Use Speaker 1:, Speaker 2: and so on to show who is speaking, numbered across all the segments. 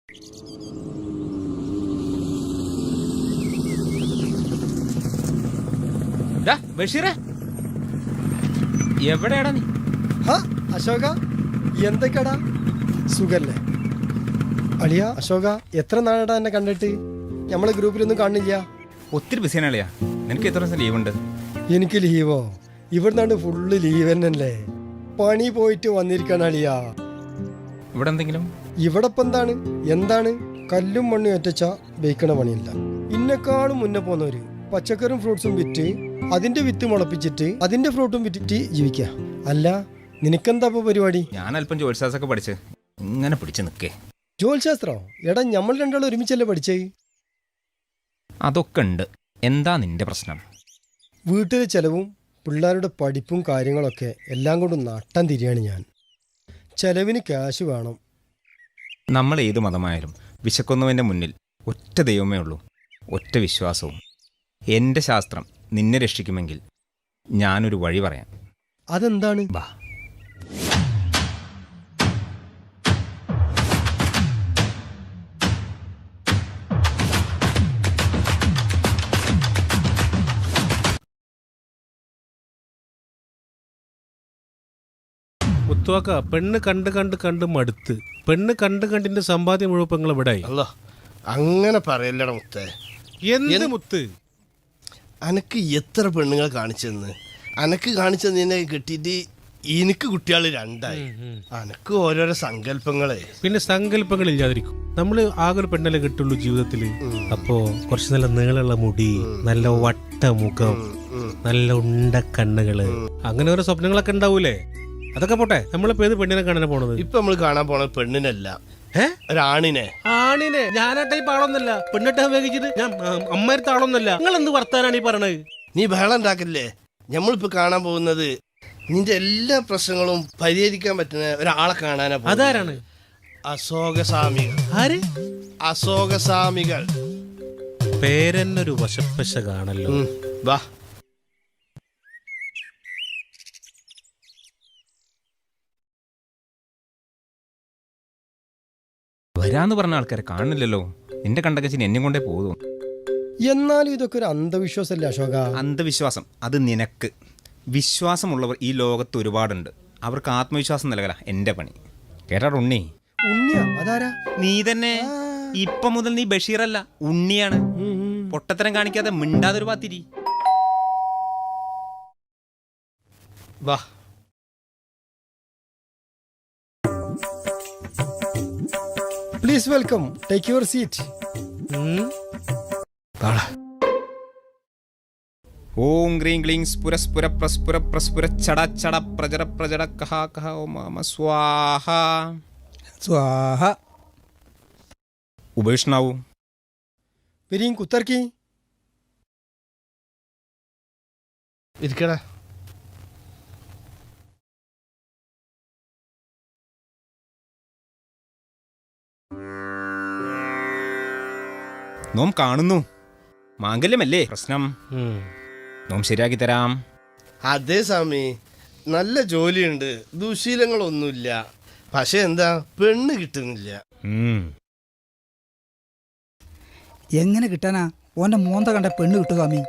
Speaker 1: ബഷീറേ, എവിടെയാടാ നീ?
Speaker 2: അശോക, എന്തൊക്കെയാടാ? സുഖല്ലേ അളിയ? അശോക, എത്ര നാളാടാ എന്നെ കണ്ടിട്ട്? നമ്മളെ ഗ്രൂപ്പിലൊന്നും കാണില്ല.
Speaker 1: ഒത്തിരി ബിസിയാണ് അളിയാ. നിനക്ക് എത്ര ദിവസം ലീവ് ഉണ്ട്?
Speaker 2: എനിക്ക് ലീവോ? ഇവിടുന്നാണ്ട് ഫുള്ള് ലീവ് തന്നെയല്ലേ. പണി പോയിട്ട് വന്നിരിക്കാണ് അളിയ.
Speaker 1: ഇവിടെ എന്തെങ്കിലും?
Speaker 2: ഇവിടെ ഇപ്പം എന്താണ് കല്ലും മണ്ണും ഒറ്റച്ച ബേക്കണ പണിയില്ല. ഇന്നെക്കാളും മുന്നേ പോന്നവര് പച്ചക്കറിയും ഫ്രൂട്ട്സും വിറ്റ് അതിന്റെ വിത്ത് മുളപ്പിച്ചിട്ട് അതിന്റെ ഫ്രൂട്ടും വിറ്റിട്ട് ജീവിക്ക. അല്ല, നിനക്കെന്താ ഇപ്പൊ പരിപാടി?
Speaker 1: ഞാൻ അല്പം ജോത്സ്യാസൊക്കെ പഠിച്ച് ഇങ്ങനെ പിടിച്ച് നിൽക്കേ.
Speaker 2: ജോത്ശാസ്ത്രോ? എടാ, നമ്മൾ രണ്ടാളും ഒരുമിച്ചല്ലേ പഠിച്ചേ?
Speaker 1: അതൊക്കെ ഉണ്ട്. എന്താ നിന്റെ പ്രശ്നം?
Speaker 2: വീട്ടിലെ ചെലവും പിള്ളേരുടെ പഠിപ്പും കാര്യങ്ങളൊക്കെ എല്ലാം കൊണ്ടും നട്ടം തിരിയാണ് ഞാൻ. ചെലവിന് ക്യാഷ് വേണം.
Speaker 1: നമ്മൾ ഏത് മതമായാലും വിശക്കുന്നവൻ്റെ മുന്നിൽ ഒറ്റ ദൈവമേ ഉള്ളൂ, ഒറ്റ വിശ്വാസവും. എൻ്റെ ശാസ്ത്രം നിന്നെ രക്ഷിക്കുമെങ്കിൽ ഞാനൊരു വഴി പറയാം.
Speaker 2: അതെന്താണ്?
Speaker 1: ബാ.
Speaker 3: മുത്തുവാക്ക, പെണ്ണ് കണ്ട് കണ്ട് കണ്ട് മടുത്ത്. പെണ്ണ് കണ്ട് കണ്ടിന്റെ സമ്പാദ്യം മുഴുവൻ ഇവിടെ.
Speaker 4: അല്ല, അങ്ങനെ പറയല്ലട മുത്തേ.
Speaker 3: എന്ത് മുത്ത്?
Speaker 4: അനക്ക് എത്ര പെണ്ണുങ്ങൾ കാണിച്ചെന്ന്? അനക്ക് കാണിച്ചതിനെ കിട്ടിയിട്ട് എനിക്ക് കുട്ടികൾ രണ്ടായി. അനക്ക് ഓരോരോ സങ്കല്പങ്ങളെ.
Speaker 3: പിന്നെ സങ്കല്പങ്ങൾ ഇല്ലാതിരിക്കും. നമ്മള് ആകെ ഒരു പെണ്ണല്ലേ കിട്ടുള്ളൂ ജീവിതത്തില്. അപ്പോ കുറച്ച് നല്ല നീളമുള്ള മുടി, നല്ല വട്ട മുഖം, നല്ല ഉണ്ട കണ്ണുകള്, അങ്ങനെ ഓരോ സ്വപ്നങ്ങളൊക്കെ ഉണ്ടാവൂലേ? അതൊക്കെ പോട്ടെ, നമ്മളിപ്പോ ഏത് പെണ്ണിനെ കാണാൻ പോണത്?
Speaker 4: ഇപ്പൊ നമ്മൾ കാണാൻ പോണത് പെണ്ണിനല്ല, ഒരാണിനെ.
Speaker 3: ആണിനെ? ഞാനാട്ടെ ഈ പാളൊന്നല്ല, പെണ്ണിട്ട് ഉപയോഗിച്ചിട്ട് ഞാൻ അമ്മയടുത്ത ആളൊന്നല്ല. നിങ്ങൾ എന്ത് വർത്താനാണ് ഈ പറയണത്?
Speaker 4: നീ ബഹളം ഉണ്ടാക്കില്ലേ? നമ്മളിപ്പോ കാണാൻ പോകുന്നത് നിന്റെ എല്ലാ പ്രശ്നങ്ങളും പരിഹരിക്കാൻ പറ്റുന്ന ഒരാളെ കാണാനാ.
Speaker 3: അതാരാണ്?
Speaker 4: അശോകസ്വാമികൾ.
Speaker 3: ആര്?
Speaker 4: അശോകസ്വാമികൾ.
Speaker 3: പേരെന്നൊരു വശപ്പശ കാണല്ലോ.
Speaker 4: വാ.
Speaker 1: വരാന്ന് പറഞ്ഞ ആൾക്കാരെ കാണുന്നില്ലല്ലോ. നിന്റെ കണ്ടകച്ചിന് എന്നെ കൊണ്ടേ പോകും.
Speaker 2: എന്നാലും ഇതൊക്കെ ഒരു അന്ധവിശ്വാസമല്ലേ അശോക?
Speaker 1: അന്ധവിശ്വാസം അത് നിനക്ക്. വിശ്വാസമുള്ളവർ ഈ ലോകത്ത് ഒരുപാടുണ്ട്. അവർക്ക് ആത്മവിശ്വാസം നൽകല എൻ്റെ പണി. കേട്ടാ ഉണ്ണി?
Speaker 2: ഉണ്ണിയാ? അതാരാ?
Speaker 1: നീ തന്നെ. ഇപ്പൊ മുതൽ നീ ബഷീറല്ല, ഉണ്ണിയാണ്. പൊട്ടത്തരം കാണിക്കാതെ മിണ്ടാതൊരു പാത്തിരി.
Speaker 4: വാ.
Speaker 2: Please welcome, take your seat.
Speaker 1: ഓം ഗ്രീം ക്ലീം സ്ഫുരസ്ഫുര പ്രസ്ഫുര പ്രസ്ഫുര ചട ചട പ്രജട പ്രജട കഹ കഹ ഓം മമ സ്വാഹ
Speaker 2: സ്വാഹ.
Speaker 1: ഉപേഷ്ണാവൂ.
Speaker 2: വരീം കുത്തർക്കി.
Speaker 4: ഇരിക്കടാ.
Speaker 1: നോം കാണുന്നു. മാംഗല്യമല്ലേ പ്രശ്നം? നോം ശരിയാക്കി തരാം.
Speaker 4: അതേ സ്വാമി, നല്ല ജോലിയുണ്ട്, ദുശീലങ്ങളൊന്നുമില്ല. പക്ഷെ എന്താ, പെണ്ണ് കിട്ടുന്നില്ല.
Speaker 5: എങ്ങനെ കിട്ടാനാ? ഓന്റെ മോന്ത കണ്ട പെണ്ണ് കിട്ടു സ്വാമി.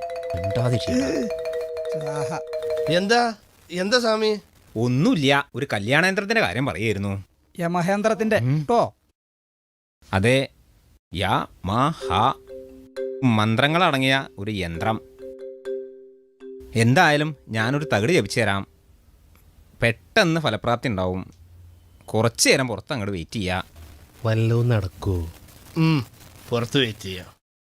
Speaker 4: എന്താ എന്താ സ്വാമി?
Speaker 1: ഒന്നുമില്ല, ഒരു കല്യാണയന്ത്രത്തിന്റെ കാര്യം പറയായിരുന്നു.
Speaker 5: യമഹേന്ദ്രത്തിന്റെ ട്ടോ.
Speaker 1: അതെ, യാ മാ ഹ മന്ത്രങ്ങളടങ്ങിയ ഒരു യന്ത്രം. എന്തായാലും ഞാനൊരു തകിട് ജപിച്ചു തരാം. പെട്ടെന്ന് ഫലപ്രാപ്തി ഉണ്ടാവും. കുറച്ചു നേരം പുറത്ത് അങ്ങോട്ട് വെയിറ്റ് ചെയ്യാം.
Speaker 3: വല്ലതും നടക്കൂ?
Speaker 4: പുറത്ത് വെയിറ്റ് ചെയ്യാം.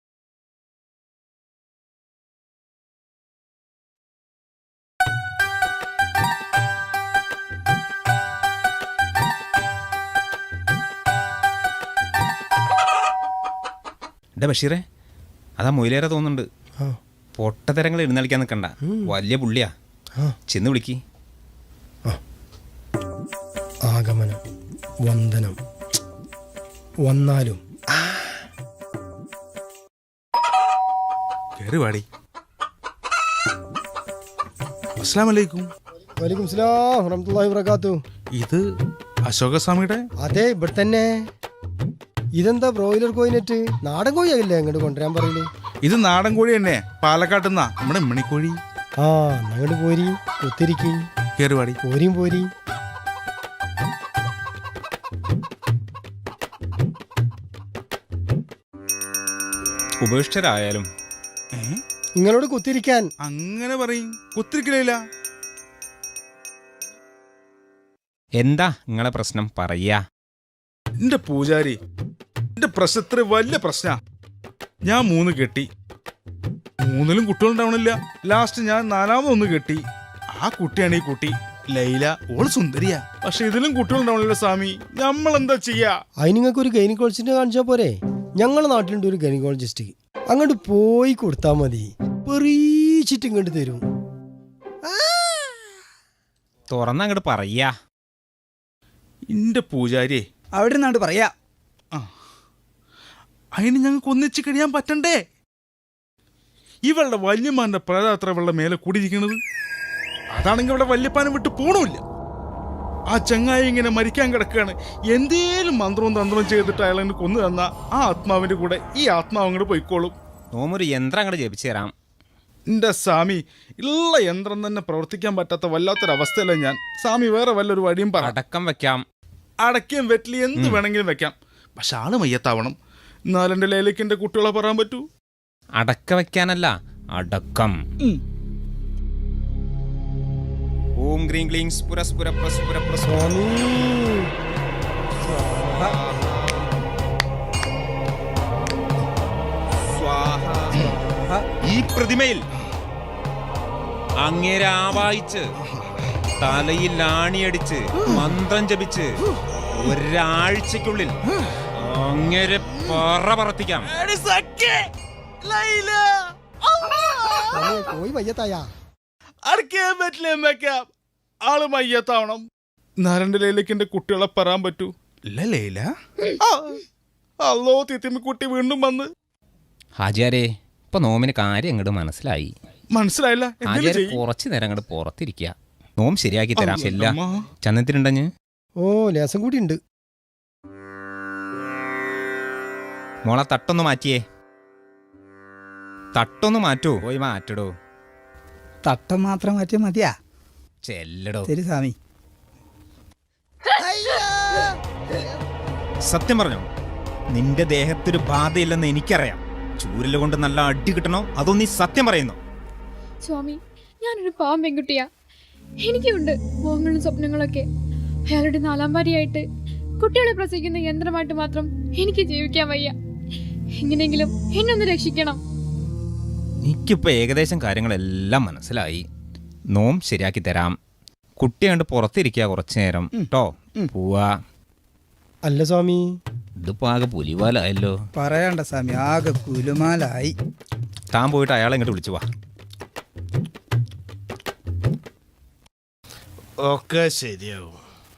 Speaker 1: എടാ ബഷീറേ, അതാ മൊയിലേറെ തോന്നുന്നുണ്ട്. പൊട്ടത്തരങ്ങൾ എഴുന്നള്ളിക്കാൻ നിൽക്കണ്ട, വലിയ പുള്ളിയാ. ചെന്ന് വിളിക്ക്.
Speaker 2: ആഗമനം, വന്ദനം, വന്നാലും
Speaker 3: കേറി വാടി. അസ്സലാമലൈക്കും.
Speaker 2: വലൈക്കും സലാം വറഹ്മത്തുള്ളാഹി വബറകാതുഹു.
Speaker 3: ഇത് അശോകസ്വാമിയുടെ?
Speaker 2: അതെ, ഇവിടെ തന്നെ. ഇതെന്താ ബ്രോയിലർ കോയിനെറ്റ്? നാടൻ കോഴിയാകില്ലേ അങ്ങോട്ട് കൊണ്ടുവരാൻ പറയില്ലേ?
Speaker 6: ഇത് നാടൻ കോഴി തന്നെ, പാലക്കാട്ടുന്നാ, നമ്മുടെ മണിക്കോഴി.
Speaker 2: ആ അങ്ങോട്ട് പോരി, കുത്തിരിക്കും
Speaker 6: കേറുവാടി.
Speaker 2: പോരിയും പോരി.
Speaker 1: ഉപേക്ഷിതരായാലും
Speaker 2: നിങ്ങളോട് കുത്തിരിക്കാൻ.
Speaker 6: അങ്ങനെ പറയും, കുത്തിരിക്കലില്ല.
Speaker 1: എന്താ നിങ്ങളെ പ്രശ്നം പറയാ?
Speaker 6: എന്റെ പൂജാരി, എന്റെ പ്രശ്നത്തിന് വലിയ പ്രശ്ന. ഞാൻ 3 കെട്ടി, 3ലും കുട്ടികളുണ്ടാവണില്ല. ലാസ്റ്റ് ഞാൻ 4ാമതൊന്ന് കെട്ടി. ആ കുട്ടിയാണ് ഈ കുട്ടി ലൈല. ഓള് സുന്ദരിയാ, പക്ഷെ ഇതിലും കുട്ടികളുണ്ടാവണില്ല സ്വാമി. നമ്മളെന്താ ചെയ്യാ?
Speaker 2: അതിന് നിങ്ങൾക്ക് ഒരു ഗൈനക്കോളജിസ്റ്റിനെ കാണിച്ചാൽ പോരെ? ഞങ്ങളുടെ നാട്ടിലുണ്ട് ഒരു ഗൈനക്കോളജിസ്റ്റ്. അങ്ങോട്ട് പോയി കൊടുത്താൽ മതി, പെറീച്ചിട്ട് ഇങ്ങോട്ട് തരും.
Speaker 1: തുറന്നങ്ങോട്ട് പറയാ.
Speaker 6: എന്റെ പൂജാരിയെ,
Speaker 5: അവിടെ നിന്നാണ്ട് പറയാ.
Speaker 6: അതിന് ഞങ്ങൾക്ക് ഒന്നിച്ച് കഴിയാൻ പറ്റണ്ടേ? ഇവളുടെ വല്യമ്മാന്റെ പ്രേതാത്ര ഇവളുടെ മേലെ കൂടിയിരിക്കണത്. അതാണെങ്കിൽ ഇവിടെ വല്യപ്പാനെ വിട്ട് പോണമില്ല. ആ ചങ്ങായി ഇങ്ങനെ മരിക്കാൻ കിടക്കുകയാണ്. എന്തേലും മന്ത്രവും തന്ത്രവും ചെയ്തിട്ട് അയാളെ കൊന്നു തന്ന ആ ആത്മാവിന്റെ കൂടെ ഈ ആത്മാവ് അങ്ങോട്ട് പോയിക്കോളും.
Speaker 1: നോമൊരു യന്ത്രം അങ്ങോട്ട് ജപിച്ചു തരാം.
Speaker 6: എന്റെ സ്വാമി, ഉള്ള യന്ത്രം തന്നെ പ്രവർത്തിക്കാൻ പറ്റാത്ത വല്ലാത്തൊരവസ്ഥയല്ല ഞാൻ. സ്വാമി വേറെ വല്ലൊരു വഴിയും പറ.
Speaker 1: അടക്കം വെക്കാം.
Speaker 6: അടയ്ക്കും വെറ്റിലി എന്ത് വേണമെങ്കിലും വെക്കാം, പക്ഷെ ആള് മയ്യത്താവണം. എന്നാലും എന്റെ ലേലേക്ക് എന്റെ കുട്ടികളെ പറയാൻ പറ്റൂ.
Speaker 1: അടക്ക വെക്കാനല്ല, അടക്കം. ഓം ഗ്രീം ക്ലീം സ്ഫുര സ്ഫുര പ്രസ്ഫുര
Speaker 2: സ്വാമി
Speaker 1: സ്വാഹ. ഈ പ്രതിമയിൽ അങ്ങേരെ ആവായിച്ച് തലയിൽ ആണിയടിച്ച് മന്ത്രം ജപിച്ച് ഒരാഴ്ചക്കുള്ളിൽ അങ്ങേരെ പറപ്പിക്കാം.
Speaker 2: പോയി മയ്യത്തായ
Speaker 6: അടയ്ക്കാൻ പറ്റില്ല, വെക്കാം. ആള് മയ്യത്താവണം. നാരന്റെ ലൈലേക്ക് എന്റെ കുട്ടികളെ പറയാൻ പറ്റൂ. ലൈല അല്ലോ തിത്തിമ്മ കുട്ടി വീണ്ടും വന്ന്.
Speaker 1: ഹാജിയാരെ, ഇപ്പൊ നോമിന് കാര്യം അങ്ങോട്ട് മനസ്സിലായി.
Speaker 6: മനസ്സിലായില്ല.
Speaker 1: ഹാജിയാരെ കുറച്ചു നേരം അങ്ങോട്ട് പുറത്തിരിക്കുക. നോം ശരിയാക്കി തരാം. ചെല്ല ചന്നത്തിനുണ്ടഞ്ഞ്.
Speaker 2: ഓ ലേസം കൂടി ഉണ്ട്.
Speaker 1: മോളെ തട്ടൊന്ന് മാറ്റിയേ. തട്ടൊന്ന് മാറ്റൂ. പോയി മാറ്റടോ.
Speaker 5: തട്ടം മാത്രം മാറ്റിയാൽ മതിയാ?
Speaker 1: ചെല്ലടോ.
Speaker 5: ശരി സ്വാമി.
Speaker 1: സത്യം പറഞ്ഞോ, നിന്റെ ദേഹത്തൊരു ബാധയില്ലെന്ന് എനിക്കറിയാം. ചൂരല് കൊണ്ട് നല്ല അടി കിട്ടണോ അതോ നീ സത്യം പറയുന്നു?
Speaker 7: സ്വാമി, ഞാനൊരു പാവം പെൺകുട്ടിയാ. എനിക്കുണ്ട് മോഹങ്ങളും സ്വപ്നങ്ങളൊക്കെ. അയാളുടെ 4ാം ഭാര്യയായിട്ട് കുട്ടികളെ പ്രസവിക്കുന്ന യന്ത്രമായിട്ട് മാത്രം എനിക്ക് ജീവിക്കാൻ വയ്യ. എങ്ങനെയെങ്കിലും എന്നൊന്ന് രക്ഷിക്കണം.
Speaker 1: എനിക്കിപ്പോൾ ഏകദേശം കാര്യങ്ങളെല്ലാം മനസ്സിലായി. നോം ശരിയാക്കി തരാം. കുട്ടി കണ്ട് പുറത്തിരിക്കുക കുറച്ചു നേരം കേട്ടോ. പോവാ.
Speaker 2: അല്ല സ്വാമി,
Speaker 1: ഇതിപ്പോ ആകെ പുലിവാലായല്ലോ.
Speaker 5: പറയണ്ട സ്വാമി, ആകെ കുലുമാലായി.
Speaker 1: താൻ പോയിട്ട് അയാളെ ഇങ്ങോട്ട് വിളിച്ചു വാ.
Speaker 4: ഒക്കെ ശരിയാവും.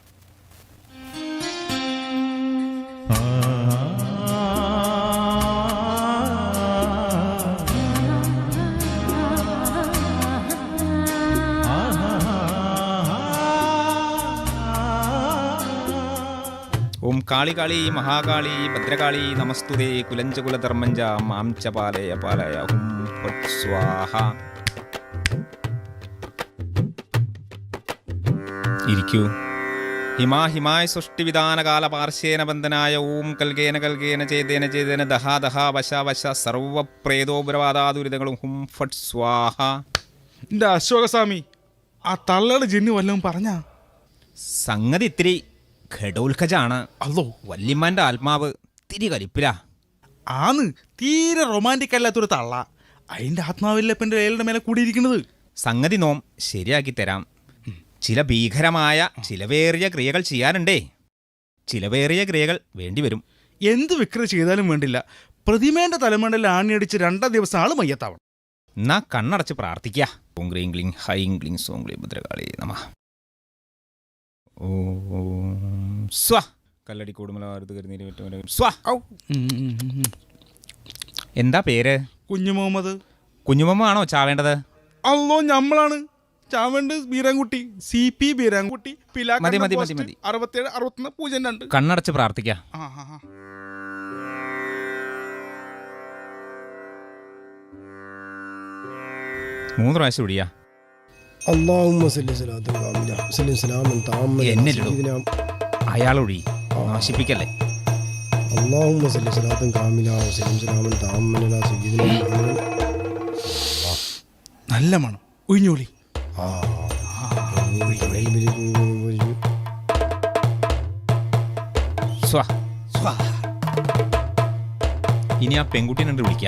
Speaker 1: ഓം കാളി കാളി മഹാകാളി ഭദ്രകാളി നമസ്തുതേ കുലഞ്ചകുലധർമ്മഞ്ച മാം ച പാലയ പാലയ ഹും ഫട് സ്വാഹ. ഇരിക്കൂ. ഹിമായ സൃഷ്ടിവിധാനകാല പാർശ്വേന ബന്ധനായ ഓം കൽഗേന കൽഗേന ചേതേന ചേതേന ദഹാ ദഹാ വശ വശ സർവപ്രേതോപരവാദാദുരിതങ്ങളും ഹും ഫട് സ്വാഹ.
Speaker 6: എന്റെ അശോകസ്വാമി, ആ തള്ളയുടെ ജിന്ന് വല്ലതും പറഞ്ഞാ?
Speaker 1: സംഗതി ഇത്തിരി ഘടോത്കജാണ്.
Speaker 6: അല്ലോ,
Speaker 1: വല്യമ്മാന്റെ ആത്മാവ് തിരി കലിപ്പില.
Speaker 6: ആന്ന് തീരെ റൊമാൻറ്റിക് അല്ലാത്തൊരു തള്ള. അതിന്റെ ആത്മാവില്ല ഇപ്പം എന്റെ ലേലയുടെ മേലെ കൂടിയിരിക്കുന്നത്.
Speaker 1: സംഗതി നോം ശരിയാക്കി തരാം. ചില ഭീകരമായ ചിലവേറിയ ക്രിയകൾ ചെയ്യാനുണ്ടേ. ചിലവേറിയ ക്രിയകൾ വേണ്ടിവരും.
Speaker 6: എന്ത് വിക്രി ചെയ്താലും വേണ്ടില്ല, പ്രതിമേന്റെ തലമണ്ടയിൽ ആണിയടിച്ച് 2ാം ദിവസം ആള് മയ്യത്താവണം.
Speaker 1: എന്നാ കണ്ണടച്ച് പ്രാർത്ഥിക്കുക. ഓം ഗ്രീം ക്ലീം ഹൈം ക്ലീം സോം ക്ലീം ഭദ്രകാളി നമഃ. ഓം സ്വ കല്ലടി കൂടുമലാരുത് കരുന്നീര് വിട്ടും സ്വ. എന്താ പേര്?
Speaker 6: കുഞ്ഞു മുഹമ്മദ്.
Speaker 1: കുഞ്ഞുമ്മ ആണോ ചാവേണ്ടത്?
Speaker 6: അല്ലോ, ഞമ്മളാണ് ചാവേണ്ട. ബീരാൻകുട്ടി, CP ബീരാൻകുട്ടി,
Speaker 1: മതി, മതി, മതി, മതി.
Speaker 6: 67 61 02.
Speaker 1: കണ്ണടച്ച് പ്രാർത്ഥിക്കുക. 3 പ്രാവശ്യം ഒഴിയാ.
Speaker 2: അല്ലാഹുമ്മ സല്ലി സ്വലാത്തുൻ കാമില സല്ലി സലാമൻ താമ്മൻ
Speaker 1: എന്നില്ലടോ.
Speaker 2: സയ്യിദിനാ
Speaker 1: അയാളൊഴി, നശിപ്പിക്കല്ലേ.
Speaker 2: അല്ലാഹുമ്മ സല്ലി സ്വലാത്തുൻ കാമില സല്ലി സലാമൻ താമ്മൻ അലാ സയ്യിദിനാ മുഹമ്മദ്.
Speaker 6: നല്ല മണം, ഒഴിഞ്ഞോളി.
Speaker 2: ആ
Speaker 1: സ്വാ. ഇനി ആ പെൺകുട്ടീനെ കണ്ട് വിളിക്ക.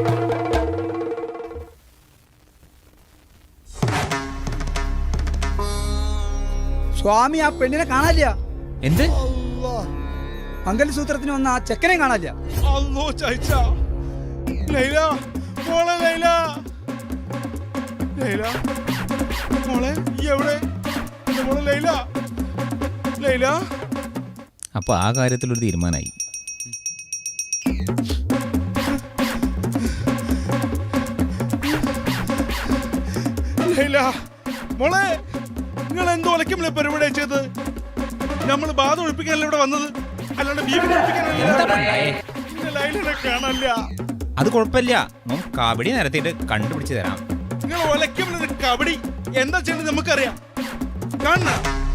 Speaker 5: സ്വാമി ആ പെണ്ണിനെ കാണാനില്ല.
Speaker 1: എന്ത്?
Speaker 5: മംഗലസൂത്രത്തിന് വന്ന ആ ചെക്കനെ കാണാനില്ല.
Speaker 6: അല്ലോ ചായച്ച. ലൈല, മോളെ ലൈല. ലൈല, മോളെ ഈ എവിടെ? എന്റെ മോളെ ലൈല. ലൈല.
Speaker 1: അപ്പൊ ആ കാര്യത്തിലൊരു തീരുമാനമായി.
Speaker 6: ലൈല, മോളെ നിങ്ങൾ എന്തോ ഒലക്കുമ്പോൾ പരിപാടി ചെയ്ത്? നമ്മൾ ബാധ ഒഴിപ്പിക്കാനല്ല ഇവിടെ വന്നത്, അല്ലാണ്ട് ബീവി ലൈലിനെ കാണാനില്ല.
Speaker 1: അത് കുഴപ്പമില്ല, മോൻ കബഡി നിരത്തിയിട്ട് കണ്ടുപിടിച്ച് തരാം.
Speaker 6: നിങ്ങൾ ഒലക്കുമ്പോൾ കബഡി എന്താ ചെയ്യേണ്ടത് നമുക്കറിയാം. കാണണ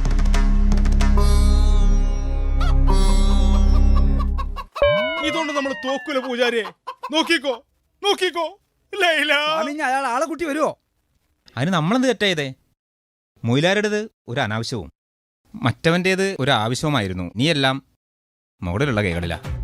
Speaker 6: ഇതുകൊണ്ട് നമ്മൾ തോക്കൂല പൂജാരിയെ. നോക്കിക്കോ, നോക്കിക്കോ ലൈല.
Speaker 5: സ്വാമി ഇനി അയാൾ ആളെ കൂട്ടി വരുമോ?
Speaker 1: അതിന് നമ്മളെന്ത് തെറ്റായതേ? മൊയിലാരുടേത് ഒരു അനാവശ്യവും മറ്റവൻ്റേത് ഒരു ആവശ്യവുമായിരുന്നു. നീയെല്ലാം മുകളിലുള്ള കൈകളിലാ.